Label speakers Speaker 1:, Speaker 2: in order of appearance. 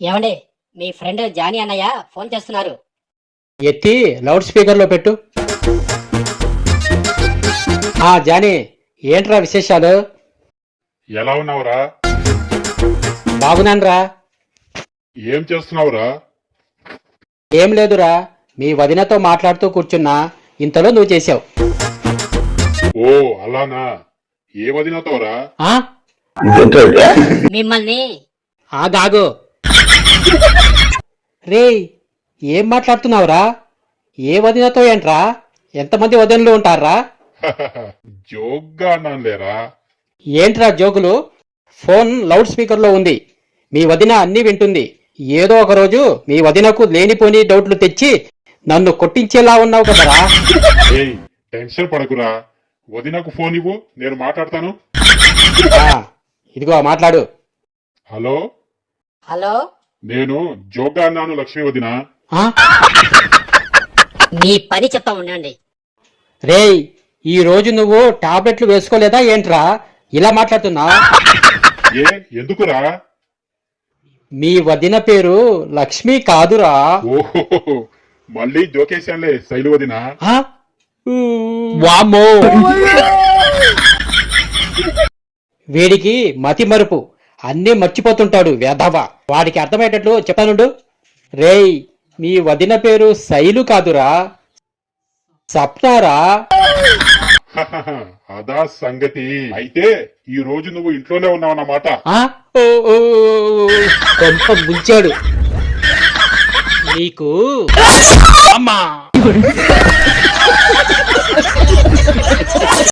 Speaker 1: ఏమండి, మీ friend Johnny అన్నయ్య ఫోన్ చేస్తున్నారు.
Speaker 2: ఎత్తి లౌడ్ స్పీకర్ లో పెట్టు. జానీ, ఏంట్రా విశేషాలు?
Speaker 3: ఎలా ఉన్నావురా?
Speaker 2: బాగున్నాన్రా.
Speaker 3: ఏం చేస్తున్నావురా?
Speaker 2: ఏం లేదురా, మీ వదినతో మాట్లాడుతూ కూర్చున్నా, ఇంతలో నువ్వు చేసావు.
Speaker 3: ఓ అలానా? ఏ వదినతోరా?
Speaker 1: మిమ్మల్ని
Speaker 2: ఆగాగు. రేయ్, ఏం మాట్లాడుతున్నావురా? ఏ వదినతో ఏంట్రా? ఎంతమంది వదినలు ఉంటారా?
Speaker 3: జోక్గా అన్నాను లేరా.
Speaker 2: ఏంట్రా జోకులు? ఫోన్ లౌడ్ స్పీకర్ లో ఉంది. మీ వదిన అన్నీ వింటుంది. ఏదో ఒక రోజు మీ వదినకు లేనిపోని డౌట్లు తెచ్చి నన్ను కొట్టించేలా ఉన్నావు కదరా.
Speaker 3: ఏయ్, టెన్షన్ పడకురా. వదినకు ఫోన్ ఇవ్వు, నేను మాట్లాడతాను.
Speaker 2: ఇదిగో మాట్లాడు.
Speaker 3: హలో,
Speaker 1: హలో,
Speaker 3: నేను జోక్గా అన్నాను లక్ష్మి వదిన.
Speaker 1: మీ పని చెప్తా ఉండండి.
Speaker 2: రేయ్, ఈ రోజు నువ్వు టాబ్లెట్లు వేసుకోలేదా ఏంట్రా ఇలా మాట్లాడుతున్నా?
Speaker 3: ఏ ఎందుకురా?
Speaker 2: మీ వదిన పేరు లక్ష్మి కాదురా.
Speaker 3: ఓహో, మళ్ళీ జోకేశానులే శైలు వదిన.
Speaker 2: వామ్మో, వీడికి మతి మరుపు, అన్నీ మర్చిపోతుంటాడు వెధవ. వాడికి అర్థమయ్యేటట్లు చెప్తానుండు. రేయ్, మీ వదిన పేరు శైలు కాదురా, సప్నారా.
Speaker 3: అదా సంగతి. అయితే ఈ రోజు నువ్వు ఇంట్లోనే ఉన్నావన్నమాట.
Speaker 2: కొంప ముంచాడు నీకు. అమ్మా